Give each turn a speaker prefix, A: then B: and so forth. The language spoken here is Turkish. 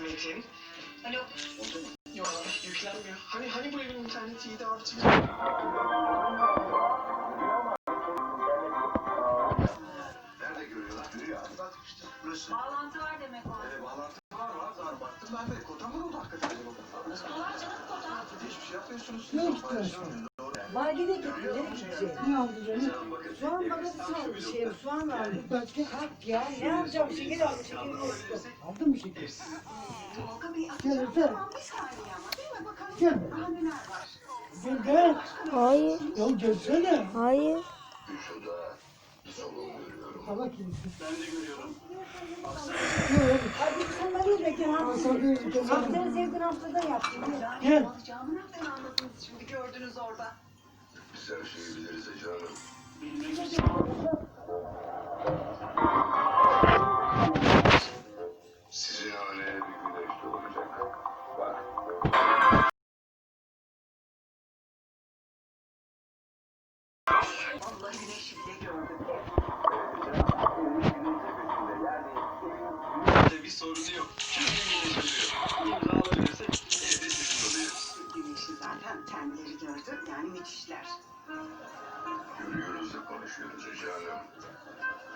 A: Metin.
B: Alo.
A: Oldu mu? Yok, yüklenmiyor. Hani bu evin interneti iyiydi abicim.
C: Nerede görüyorlar? Görüyor abi. Bak işte burası.
B: Bağlantı var demek o.
C: Bağlantı var zaten. Baktım ben de. Kota mı oldu hakikaten acaba?
B: Var canım kota.
C: Hiçbir şey yapmıyorsunuz.
D: Ne istiyorsun? Markete gittim. Ne gidecek? Ne aldı canım? Soğan paketi aldı şey. Soğan aldı. Başka kalk ya. Ne alacağım? Şeker aldı. Şeker yoktu. Aldın mı şeker?
B: Tolga Bey
D: Gel
B: atacağım.
D: öpeyim.
B: Tamam bir saniye ama değil mi? Bakalım
D: Gel.
B: daha neler var.
D: Gel gel.
E: Hayır.
D: Ya gelsene.
E: Hayır.
C: Şurada solun görüyorum.
D: Hava kimsin?
A: Ben de görüyorum.
D: Yok.
F: Hadi sen beni bekle ha.
D: Hadi.
F: Haftanın sevdiğin haftada yaptım.
D: Gel.
B: Alacağımı nereden anladınız şimdi gördünüz orada.
C: Biz her şeyi biliriz Ece Hanım.
A: Bilmek
C: Sizin haneye bir güneş doğacak. Bak.
B: Vallahi güneş bile gördüm.
A: bir sorunu yok. İmzalayabilirsek evde sizin oluyoruz.
B: Güneşi zaten kendileri gördü. Yani müthişler.
C: Görüyoruz da konuşuyoruz Ece Hanım.